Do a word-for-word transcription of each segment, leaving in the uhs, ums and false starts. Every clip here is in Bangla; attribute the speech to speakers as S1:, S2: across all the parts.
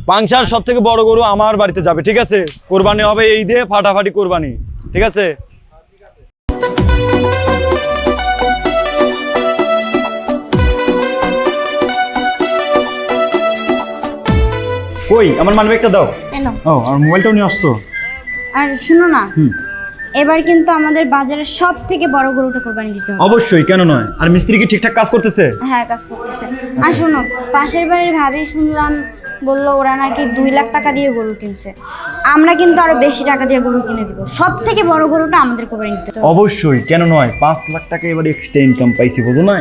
S1: পাংশার সব থেকে বড় গরু আমার বাড়িতে যাবে, ঠিক আছে? কোরবানি হবে এই দিয়ে, ফাটাফাটি কোরবানি, ঠিক আছে? কই আমার মানিব্যাগটা দাও।
S2: এনো।
S1: ও আর মোবাইলটাও নিয়ে আসছো।
S2: আর শুনো না,
S1: হুম।
S2: এবার কিন্তু আমাদের বাজারের সব থেকে বড় গরুটা কোরবানি দিতে হবে।
S1: অবশ্যই, কেন নয়? আর মিস্ত্রি কি ঠিকঠাক কাজ করতেছে?
S2: হ্যাঁ, কাজ করতেছে। আর শোনো, পাশের বাড়ির ভাবি শুনলাম বললো ওরা নাকি দুই লাখ টাকা দিয়ে গরু কিনছে। আমরা কিন্তু আরো বেশি টাকা দিয়ে গরু কিনে দিব। সব থেকে বড় গরুটা আমাদের কোরবানি দিতে হবে।
S1: অবশ্যই, কেন নয়? পাঁচ লাখ টাকা এবার এক্সট্রা ইনকাম পাইছি, বুঝো নাই?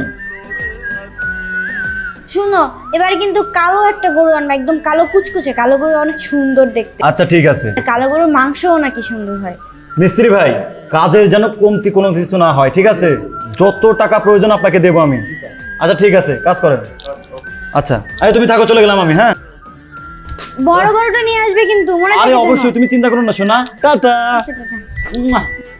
S2: শুনো, এবারে কিন্তু কালো একটা গরু আনবা, একদম কালো কুচকুচে। কালো গরু অনেক সুন্দর দেখতে।
S1: আচ্ছা ঠিক আছে।
S2: কালো গরুর মাংসও নাকি সুন্দর হয়।
S1: মিস্ত্রি ভাই, কাজের যেন কমতি কোনো কিছু না হয়, ঠিক আছে? যত টাকা প্রয়োজন আপনাকে দেবো আমি। আচ্ছা ঠিক আছে, কাজ করেন। আচ্ছা, আরে তুমি থাকো, চলে গেলাম আমি। হ্যাঁ,
S2: বড় গরুটা নিয়ে আসবে কিন্তু, মনে
S1: আরে
S2: থাকে যেন।
S1: অবশ্যই, তুমি চিন্তা করো না সোনা। টাটা। মুয়া।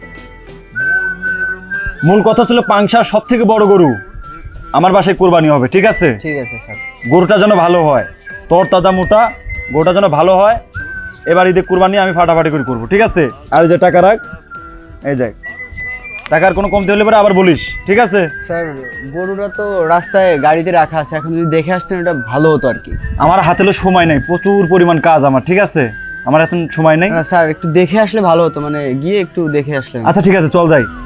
S1: মূল কথা ছিল পাংশার সব থেকে বড় গরু আমার বাসায় কোরবানি হবে, ঠিক আছে?
S3: ঠিক আছে স্যার।
S1: গরুটা যেন ভালো হয়, তোর তাজা মোটা গরুটা যেন ভালো হয়। এবার ঈদে কোরবানি আমি ফাটাফাটি করে করবো, ঠিক আছে? আর এই যে টাকা রাখ, এই দেখ, টাকার কোনো কমতি হলে পরে আবার বলিস, ঠিক আছে?
S3: স্যার, গরুটা তো রাস্তায় গাড়িতে রাখা আছে, এখন যদি দেখে আসতেন এটা ভালো হতো আর কি।
S1: আমার হাতে হলো সময় নেই, প্রচুর পরিমাণ কাজ আমার, ঠিক আছে? আমার এখন সময় নেই।
S3: না স্যার, একটু দেখে আসলে ভালো হতো, মানে গিয়ে একটু দেখে আসলেন।
S1: আচ্ছা ঠিক আছে, চল যাই।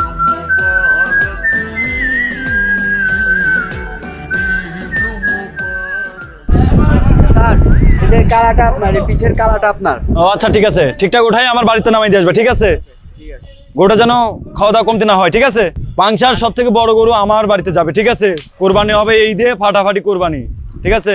S3: স্যার, এদের কালাটা আপনার, এই পিছের কালাটা আপনার।
S1: ও আচ্ছা ঠিক আছে, ঠিকঠাক উঠাই আমার বাড়িতে নামাই দিয়ে আসবে, ঠিক আছে? গরুটা যেন খাওয়া দাওয়া কমতি না হয়, ঠিক আছে? পাংশার সব থেকে বড় গরু আমার বাড়িতে যাবে, ঠিক আছে? কোরবানি হবে এই দিয়ে, ফাটাফাটি কোরবানি, ঠিক আছে?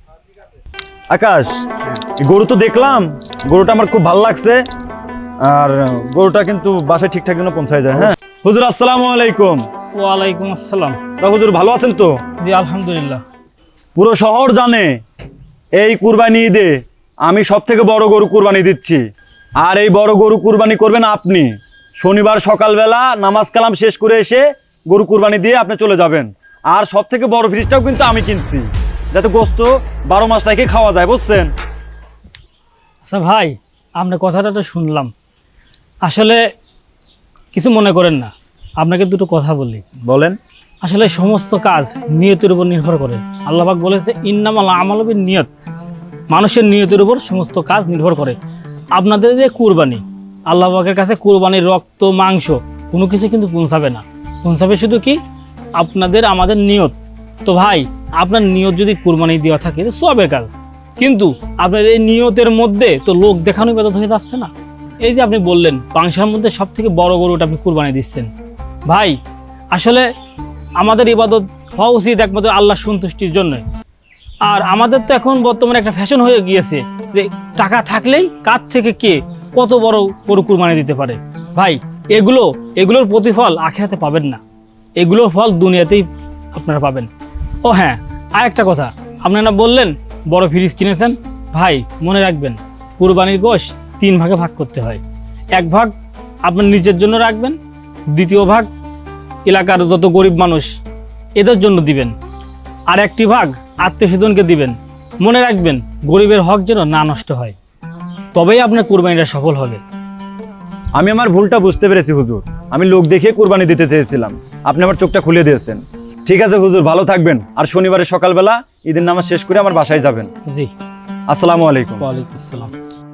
S1: আকাশ, এই গরু তো দেখলাম, গরুটা আমার খুব ভালো লাগছে। আর গরুটা কিন্তু বাসায় ঠিকঠাক যেন পৌঁছায় যায়। হ্যাঁ হুজুর, আসসালামু আলাইকুম।
S4: ওয়ালাইকুম আসসালাম।
S1: তা হুজুর ভালো আছেন তো?
S4: জি আলহামদুলিল্লাহ।
S1: পুরো শহর জানে এই কুরবানি ঈদে আমি সব থেকে বড় গরু কুরবানি দিচ্ছি। আর এই বড় গরু কুরবানি করবেন আপনি। শনিবার সকালবেলা নামাজ কালাম শেষ করে এসে গরু কুরবানি দিয়ে আপনি চলে যাবেন। আর সব থেকে বড় ফ্রিজটাও কিন্তু আমি কিনছি, যাতে গোস্ত বারো মাস রেখে খাওয়া যায়, বুঝছেন?
S4: আচ্ছা ভাই, আপনার কথাটা তো শুনলাম, আসলে কিছু মনে করেন না, আপনাকে দুটো কথা বলি।
S1: বলেন।
S4: আসলে সমস্ত কাজ নিয়তের উপর নির্ভর করে। আল্লাহ পাক বলেছে ইন্নামাল আমালু বিন্নিয়াত, মানুষের নিয়তের উপর সমস্ত কাজ নির্ভর করে। আপনাদের যে কুরবানি, আল্লাহ পাকের কাছে কুরবানির রক্ত মাংস কোনো কিছু কিন্তু পৌঁছাবে না, পৌঁছাবে শুধু কি আপনাদের আমাদের নিয়ত। তো ভাই, আপনার নিয়ত যদি কুরবানি দেওয়া থাকে তো সবের কাজ, কিন্তু আপনার এই নিয়তের মধ্যে তো লোক দেখানো ইবাদত হয়ে যাচ্ছে না। এই যে আপনি বললেন পাংশার মধ্যে সব থেকে বড় গরুটা আপনি কুরবানি দিচ্ছেন, ভাই আসলে আমাদের ইবাদত হওয়া উচিত একমাত্র আল্লাহ সন্তুষ্টির জন্য। আর আমাদের তো এখন বর্তমানে একটা ফ্যাশন হয়ে গিয়েছে যে টাকা থাকলেই কার থেকে কে কত বড় গরু কুরবানি দিতে পারে। ভাই এগুলো এগুলোর প্রতিফল আখিরাতে পাবেন না, এগুলোর ফল দুনিয়াতেই আপনারা পাবেন। ও হ্যাঁ, আর একটা কথা, আপনারা বললেন বড় ফ্রিজ কিনেছেন। ভাই মনে রাখবেন, কুরবানির গোশত তিন ভাগে ভাগ করতে হয়। এক ভাগ আপনার নিজের জন্য রাখবেন, দ্বিতীয় ভাগ এলাকার যত গরিব মানুষ এদের জন্য দিবেন, আর একটি ভাগ আত্মীয় স্বজনকে দিবেন। মনে রাখবেন গরিবের হক যেন না নষ্ট হয়, তবেই আপনার কুরবানিটা সফল হবে।
S1: আমি আমার ভুলটা বুঝতে পেরেছি হুজুর, আমি লোক দেখে কুরবানি দিতে চেয়েছিলাম, আপনি আমার চোখটা খুলে দিয়েছেন। ঠিক আছে হুজুর, ভালো থাকবেন। আর শনিবারের সকালবেলা ঈদের নামাজ শেষ করে আমার বাসায় যাবেন।
S4: জি,
S1: আসসালামু আলাইকুম।
S4: ওয়ালাইকুম আসসালাম।